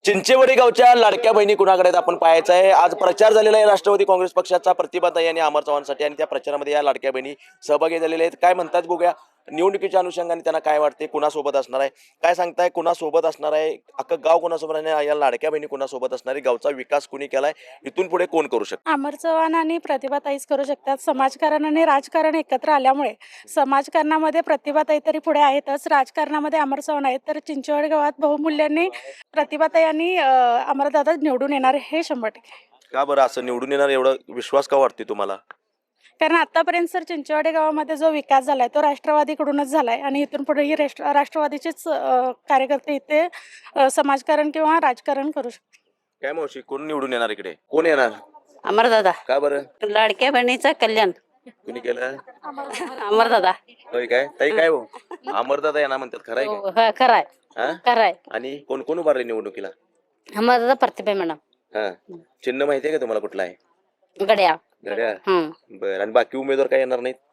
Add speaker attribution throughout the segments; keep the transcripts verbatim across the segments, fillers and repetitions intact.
Speaker 1: चिंचेवाडी गावच्या लाडक्या बहिणी कुणाकडे आहेत आपण पाहायचं आहे. आज प्रचार झालेला आहे राष्ट्रवादी काँग्रेस पक्षाचा प्रतिभाताई आणि अमर चव्हाणसाठी आणि त्या प्रचारामध्ये या लाडक्या बहिणी सहभागी झालेल्या आहेत. काय म्हणतात बघूया. निवडणुकीच्या अनुषंगाने त्यांना काय वाटते, कुणासोबत असणार आहे, काय सांगताय, कुणासोबत असणार आहे, अख्खं गाव कुणासोबत आहे, या लाडक्या बहिणी कुणासोबत असणार आहे, गावचा विकास कुणी केलाय, इथून पुढे कोण करू शकतो?
Speaker 2: अमर चव्हाण आणि प्रतिभाताईच करू शकतात. समाजकारण आणि राजकारण एकत्र आल्यामुळे समाजकारणामध्ये प्रतिभाताई तरी पुढे आहेतच, राजकारणामध्ये अमर चव्हाण आहेत. तर चिंचवड गावात बहुमूल्यांनी प्रतिभाताई आणि अ, अमरदादा निवडून येणार हे शंभर टक्के.
Speaker 1: का बरं असं निवडून येणार एवढा विश्वास का वाटते तुम्हाला?
Speaker 2: कारण आतापर्यंत सर चिंचवडे गावामध्ये जो विकास झालाय तो राष्ट्रवादीकडूनच झालाय आणि इथून पुढेही राष्ट्र राष्ट्रवादीचेच अ, कार्यकर्ते इथे अ, समाजकारण किंवा राजकारण करू शकतात.
Speaker 1: काय मावशी, कोण निवडून येणार इकडे, कोण येणार?
Speaker 3: अमरदादा,
Speaker 1: का बरं?
Speaker 3: लाडक्या बहिणीचं कल्याण.
Speaker 1: कुणी केलं?
Speaker 3: अमरदादा.
Speaker 1: होय काय ताई, काय हो अमरदादा यांना म्हणतात, खरं आहे
Speaker 3: हो, हा, खराय
Speaker 1: का? हा?
Speaker 3: खराय.
Speaker 1: आणि कोण कोण उभारले निवडणुकीला?
Speaker 3: अमरदादा प्रतिभा मॅडम.
Speaker 1: हा, चिन्ह माहिती आहे का तुम्हाला कुठला आहे?
Speaker 3: गड्या.
Speaker 1: घड्याळ.
Speaker 3: हम्म
Speaker 1: बर, आणि बाकी उमेदवार काय येणार नाहीत?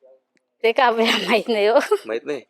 Speaker 3: ते का आपल्याला माहित नाही हो.
Speaker 1: माहित नाही.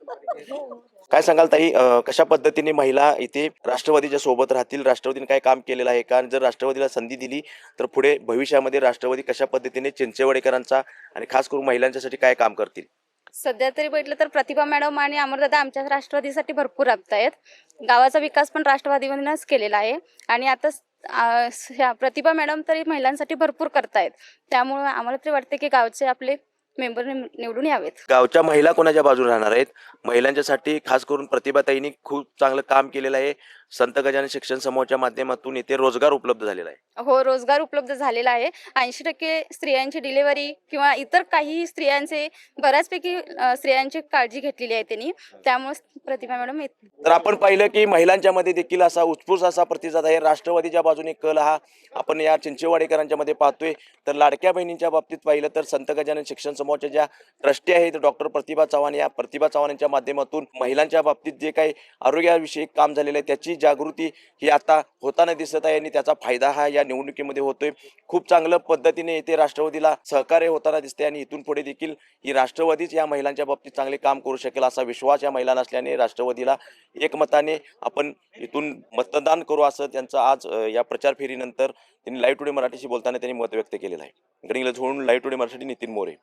Speaker 1: काय सांगाल ताई, अं, कशा पद्धतीने महिला इथे राष्ट्रवादीच्या सोबत राहतील? राष्ट्रवादीने काय काम केलेलं आहे का? जर राष्ट्रवादीला संधी दिली तर पुढे भविष्यामध्ये राष्ट्रवादी कशा पद्धतीने चिंचेवाडेकरांचा आणि खास करून महिलांच्यासाठी काय काम करतील?
Speaker 4: सध्या तरी बघितलं तर प्रतिभा मॅडम आणि अमरदादा आमच्या राष्ट्रवादीसाठी भरपूर राबतायत. गावाचा विकास पण राष्ट्रवादीमधूनच केलेला आहे आणि आता स- आ, स- ह्या प्रतिभा मॅडम तरी महिलांसाठी भरपूर करतायत. त्यामुळे आम्हाला तरी वाटते की गावचे आपले मेंबर निवडून यावेत.
Speaker 1: गावच्या महिला कोणाच्या बाजूने राहणार आहेत? महिलांच्यासाठी खास करून प्रतिभाताईंनी खूप चांगलं काम केलेलं आहे. संत गजानन शिक्षण समूहाच्या माध्यमातून इथे रोजगार उपलब्ध झालेला आहे.
Speaker 4: हो, रोजगार उपलब्ध झालेला आहे. ऐंशी टक्के स्त्रियांची डिलिव्हरी किंवा इतर काही स्त्रियांचे बऱ्याचपैकी अ, स्त्रियांची काळजी घेतलेली आहे त्यांनी. त्यामुळे प्रतिभा मॅडम येत.
Speaker 1: तर आपण पाहिलं की महिलांच्या मध्ये देखील असा उत्स्फूर्त असा प्रतिसाद आहे. राष्ट्रवादीच्या बाजूने कल हा आपण या चिंचेवाडेकरांच्या मध्ये पाहतोय. तर लाडक्या बहिणींच्या बाबतीत पाहिलं तर संत गजानन शिक्षण समूहाच्या ज्या ट्रस्टी आहेत डॉक्टर प्रतिभा चव्हाण, या प्रतिभा चव्हाणांच्या माध्यमातून महिलांच्या बाबतीत जे काही आरोग्याविषयी काम झालेलं आहे त्याची जागृती ही आता होताना दिसत आहे आणि त्याचा फायदा हा या निवडणुकीमध्ये होतोय. खूप चांगल्या पद्धतीने इथे राष्ट्रवादीला सहकार्य होताना दिसते आणि इथून पुढे देखील ही राष्ट्रवादीच या महिलांच्या बाबतीत चांगले काम करू शकेल असा विश्वास या महिलांना असल्याने राष्ट्रवादीला एकमताने आपण इथून मतदान करू असं त्यांचं आज अ, या प्रचार फेरीनंतर त्यांनी लाईव्ह टुडे मराठीशी बोलताना त्यांनी मत व्यक्त केलेलं आहे. गडिंगला झोडून लाईव्ह टुडे मराठी नितीन मोरे.